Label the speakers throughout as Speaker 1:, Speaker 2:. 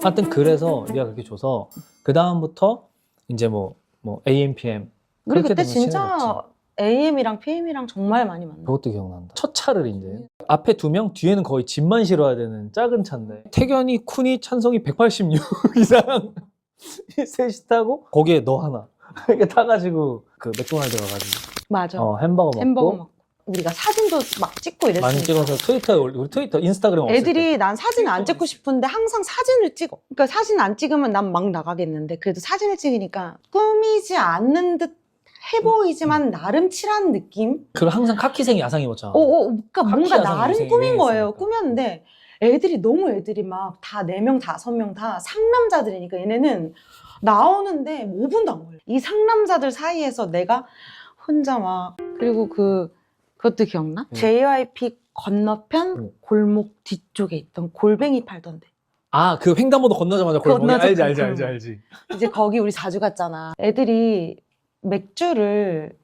Speaker 1: 하여튼 그래서 네가 그렇게 줘서 그 다음부터 이제 뭐 AM, PM
Speaker 2: 우리
Speaker 1: 그렇게
Speaker 2: 그때
Speaker 1: 되면
Speaker 2: 진짜
Speaker 1: 친해졌지.
Speaker 2: AM이랑 PM이랑 정말 많이 만나.
Speaker 1: 그것도 기억난다. 첫 차를 이제 앞에 2명, 뒤에는 거의 짐만 실어야 되는 작은 차인데 태견이, 쿤이, 찬성이 186 이상 셋이 타고 거기에 너 하나 이렇게 타가지고 그 맥도날드 가가지고
Speaker 2: 맞아.
Speaker 1: 햄버거 먹고
Speaker 2: 햄버거 먹고. 우리가 사진도 막 찍고 이랬으니까.
Speaker 1: 많이 찍어서 우리 트위터, 인스타그램 없을 때
Speaker 2: 애들이 난 사진 안 찍고 싶은데 항상 사진을 찍어. 그러니까 사진 안 찍으면 난 막 나가겠는데 그래도 사진을 찍으니까 꾸미지 않는 듯 해 보이지만 나름 칠한 느낌?
Speaker 1: 그리고 항상 카키색 야상 입었잖아.
Speaker 2: 그러니까 뭔가
Speaker 1: 야상
Speaker 2: 나름
Speaker 1: 요새
Speaker 2: 꾸민 거예요.
Speaker 1: 유행했으니까.
Speaker 2: 꾸몄는데 애들이 막 다 4명, 5명 다 상남자들이니까 얘네는 나오는데 5분도 안 걸려. 이 상남자들 사이에서 내가 혼자 막 그리고 그것도 기억나? JYP 건너편 골목 뒤쪽에 있던 골뱅이 팔던데.
Speaker 1: 아, 그 횡단보도 건너자마자 골목이
Speaker 2: 건너자
Speaker 1: 알지.
Speaker 2: 이제 거기 우리 자주 갔잖아. 애들이 맥주를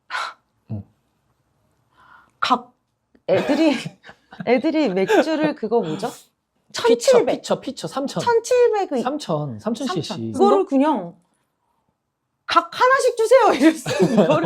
Speaker 2: 애들이 맥주를 그거 뭐죠? 1700.
Speaker 1: 피처 3,000.
Speaker 2: 1700의
Speaker 1: 3,000cc.
Speaker 2: 이거를 그냥 각 하나씩 주세요 이랬어. 이거를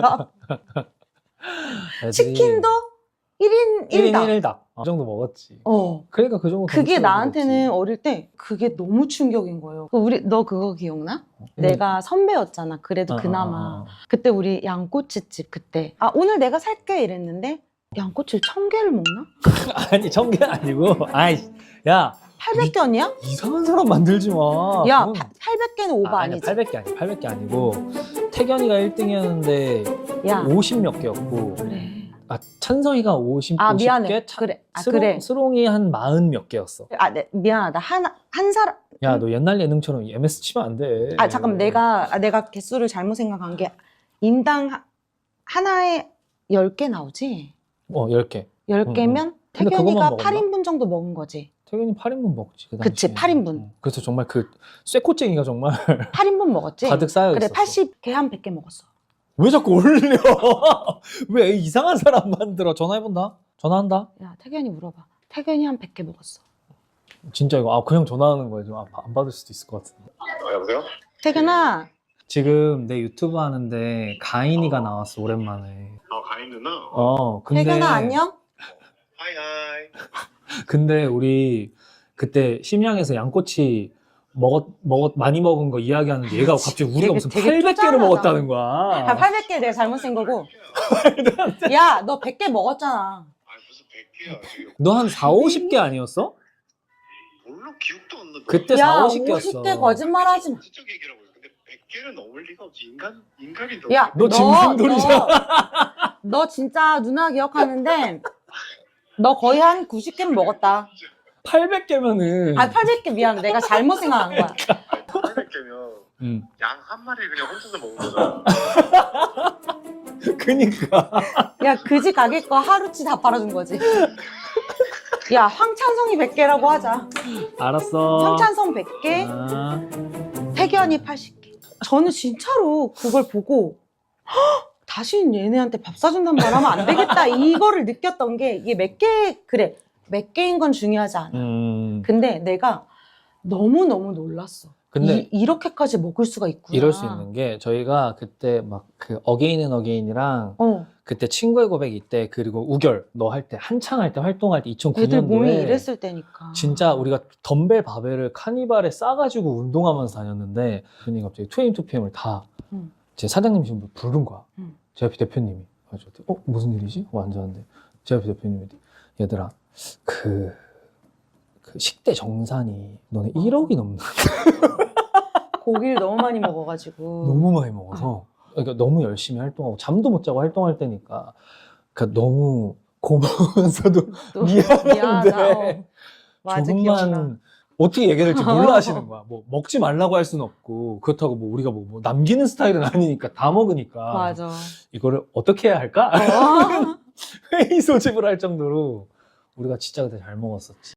Speaker 2: 치킨도 1인
Speaker 1: 1인
Speaker 2: 1닭.
Speaker 1: 1닭. 그 정도 먹었지.
Speaker 2: 그게
Speaker 1: 그러니까 그 정도 덩치로
Speaker 2: 나한테는
Speaker 1: 먹었지.
Speaker 2: 어릴 때 그게 너무 충격인 거예요. 너 그거 기억나? 내가 선배였잖아. 그래도 그나마. 그때 우리 양꼬치집 그때 오늘 내가 살게 이랬는데 양꼬치를 1000개를 먹나?
Speaker 1: 아니 1000개 아니고 야
Speaker 2: 800견이야?
Speaker 1: 이상한 사람 만들지 마.
Speaker 2: 야,
Speaker 1: 그건-
Speaker 2: 800개는 오바
Speaker 1: 아니야,
Speaker 2: 아니지?
Speaker 1: 800개 아니고 태견이가 1등이었는데
Speaker 2: 야,
Speaker 1: 50 몇 개였고
Speaker 2: 그래.
Speaker 1: 찬성이가 50,
Speaker 2: 미안해.
Speaker 1: 50개,
Speaker 2: 그래. 그래.
Speaker 1: 스롱이 한 40 몇 개였어.
Speaker 2: 미안하다. 한 사람.
Speaker 1: 야, 너 옛날 예능처럼 MS 치면 안 돼.
Speaker 2: 잠깐만. 내가 개수를 잘못 생각한 게 인당 하나에 10개 나오지?
Speaker 1: 10개.
Speaker 2: 10개면
Speaker 1: 근데
Speaker 2: 태견이가
Speaker 1: 그것만 먹었나?
Speaker 2: 8인분 정도 먹은 거지.
Speaker 1: 태균이 8인분 먹지. 그
Speaker 2: 그치,
Speaker 1: 당시에.
Speaker 2: 8인분.
Speaker 1: 그래서 정말 그 쇠꼬쟁이가 정말
Speaker 2: 8인분 먹었지?
Speaker 1: 가득 쌓여
Speaker 2: 그래,
Speaker 1: 있었어.
Speaker 2: 80개 한 100개 먹었어.
Speaker 1: 왜 자꾸 올려? 왜 이상한 사람 만들어? 전화해본다. 전화한다.
Speaker 2: 야, 태견이 물어봐. 태견이 한 100개 먹었어.
Speaker 1: 진짜 이거 그냥 전화하는 거야. 좀 안 받을 수도 있을 것 같은데.
Speaker 3: 여보세요?
Speaker 2: 태견아,
Speaker 1: 지금 내 유튜브 하는데 가인이가 나왔어 오랜만에.
Speaker 3: 가인 누나?
Speaker 1: 근데
Speaker 2: 태견아 안녕?
Speaker 3: 하이하이.
Speaker 1: 근데 우리 그때 심양에서 양꼬치 많이 먹은 거 이야기하는데 얘가 갑자기 우리가 무슨
Speaker 2: 되게
Speaker 1: 800개를
Speaker 2: 쪼잔하다.
Speaker 1: 먹었다는 거야.
Speaker 2: 800개 내가 잘못 쓴 거고. 야, 너 100개 먹었잖아.
Speaker 3: 무슨 100개야 지금.
Speaker 1: 너 한 4, 50개 아니었어?
Speaker 3: 몰라 기억도 안 나는데.
Speaker 1: 그때
Speaker 2: 야,
Speaker 1: 4, 50개였어.
Speaker 2: 50개 거짓말 하지 마.
Speaker 3: 진짜 얘기라고 해. 근데 100개는 넘을 리가 없지. 인간이 더.
Speaker 2: 야,
Speaker 1: 너 짐승돌이잖아.
Speaker 2: 너 진짜 누나 기억하는데 너 거의 한 90개는 먹었다.
Speaker 1: 800개면은
Speaker 2: 800개 미안해. 내가 잘못 생각한 거야.
Speaker 3: 800개면 양 한 마리 그냥 혼자서 먹은 거잖아.
Speaker 1: 그니까
Speaker 2: 야, 그지 가게 거 하루치 다 팔아준 거지. 야, 황찬성이 100개라고 하자.
Speaker 1: 알았어.
Speaker 2: 황찬성 100개,
Speaker 1: 아,
Speaker 2: 태견이 80개. 저는 진짜로 그걸 보고 다시 얘네한테 밥 사준단 말 하면 안 되겠다. 이거를 느꼈던 게 이게 몇 개인 건 중요하지 않아. 근데 내가 너무너무 놀랐어.
Speaker 1: 근데
Speaker 2: 이렇게까지 먹을 수가 있구나.
Speaker 1: 이럴 수 있는 게 저희가 그때 막 그 어게인 앤 어게인이랑 그때 친구의 고백 이때 그리고 우결 너 할 때 한창 할 때 활동할 때 2009년도에
Speaker 2: 애들 몸이 이랬을 때니까.
Speaker 1: 진짜 우리가 덤벨 바벨을 카니발에 싸가지고 운동하면서 다녔는데 대표님 갑자기 2AM, 2PM을 다 제 사장님 지금 부른 거야. JYP 대표님이. 그래서 무슨 일이지? 하고 앉았는데 JYP 대표님이 얘들아 그 식대 정산이 너네 1억이 넘는
Speaker 2: 고기를 너무 많이 먹어가지고.
Speaker 1: 너무 많이 먹어서 그러니까 너무 열심히 활동하고 잠도 못 자고 활동할 때니까 그러니까 너무 고마우면서도
Speaker 2: 또
Speaker 1: 미안한데
Speaker 2: 맞아, 기억나.
Speaker 1: 조금만 어떻게 얘기해야 될지 몰라 하시는 거야. 뭐 먹지 말라고 할 수는 없고 그렇다고 뭐 우리가 뭐 남기는 스타일은 아니니까 다 먹으니까
Speaker 2: 맞아.
Speaker 1: 이거를 어떻게 해야 할까?
Speaker 2: 어?
Speaker 1: 회의 소집을 할 정도로 우리가 진짜 그때 잘 먹었었지.